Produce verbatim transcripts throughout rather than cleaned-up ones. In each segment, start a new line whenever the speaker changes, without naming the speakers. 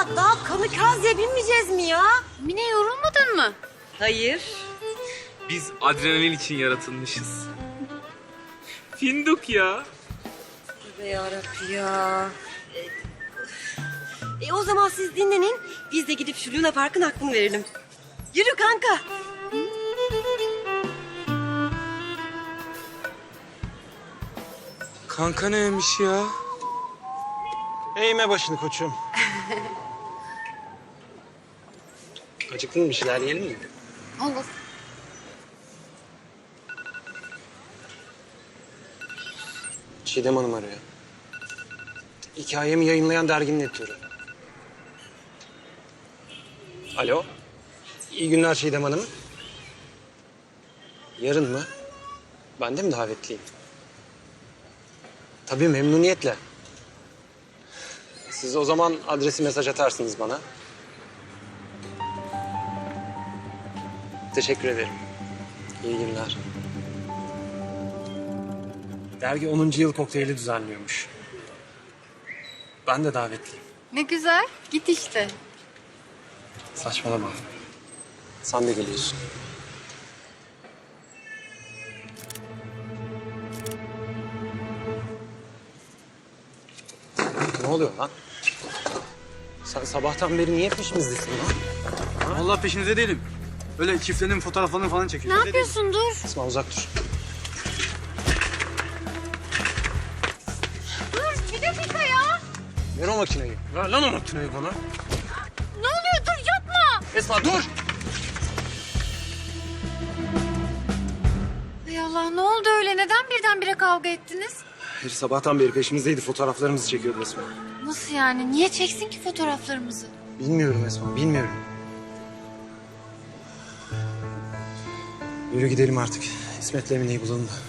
Ya daha kamikaze binmeyeceğiz mi ya?
Mine yorulmadın mı?
Hayır.
Biz adrenalin için yaratılmışız. Finduk ya.
Tövbe yarabbim ya. E, e, o zaman siz dinlenin. Biz de gidip şu Luna Park'ın hakkını verelim. Yürü kanka.
Kanka neymiş ya?
Eğme başını koçum. Acıktın mı, bir şeyler yiyelim mi?
Olur.
Çiğdem Hanım arıyor. Hikayemi yayınlayan derginin editörü. Alo. İyi günler Çiğdem Hanım. Yarın mı? Ben de mi davetliyim? Tabii memnuniyetle. Siz o zaman adresi mesaj atarsınız bana. Teşekkür ederim. İyi günler. Dergi onuncu yıl kokteyli düzenliyormuş. Ben de davetliyim.
Ne güzel. Git işte.
Saçmalama. Sen de geliyorsun. Ne oluyor lan? Sen sabahtan beri niye peşimizdesin lan?
Vallahi peşinizde değilim. Öyle çiftlerin fotoğraflarını falan
Ne
çekiyorum.
yapıyorsun? Dur.
Esma uzak dur.
Dur bir dakika ya.
Ver o makineyi. Ver lan o makineyi bana.
Ne oluyor? Dur yapma.
Esma dur!
Hay Allah ne oldu öyle? Neden birdenbire kavga ettiniz?
Herif sabahtan beri peşimizdeydi. Fotoğraflarımızı çekiyordu Esma.
Nasıl yani? Niye çeksin ki fotoğraflarımızı?
Bilmiyorum Esma, bilmiyorum. Yürü gidelim artık. İsmet'le Emine'yi bulalım da.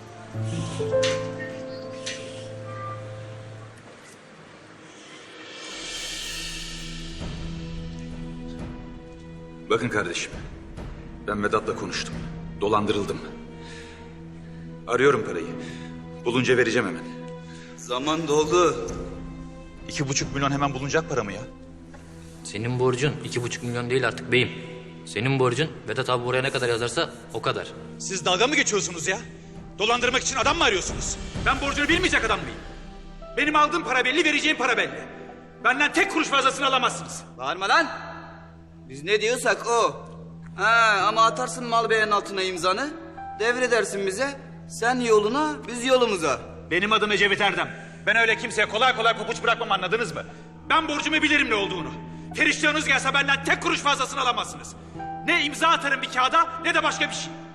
Bakın kardeşim, ben Vedat'la konuştum. Dolandırıldım. Arıyorum parayı. Bulunca vereceğim hemen.
Zaman doldu.
İki buçuk milyon hemen bulunacak para mı ya?
Senin borcun iki buçuk milyon değil artık beyim. Senin borcun Vedat abi buraya ne kadar yazarsa o kadar.
Siz dalga mı geçiyorsunuz ya? Dolandırmak için adam mı arıyorsunuz? Ben borcunu bilmeyecek adam mıyım? Benim aldığım para belli, vereceğim para belli. Benden tek kuruş fazlasını alamazsınız.
Bağırma lan. Biz ne diyorsak o. Ha, ama atarsın mal beyanın altına imzanı. Devredersin bize. Sen yoluna, biz yolumuza.
Benim adım Ecevit Erdem. Ben öyle kimseye kolay kolay pabuç bırakmam, anladınız mı? Ben borcumu bilirim ne olduğunu. Periştahınız gelse benden tek kuruş fazlasını alamazsınız. Ne imza atarım bir kağıda ne de başka bir şey.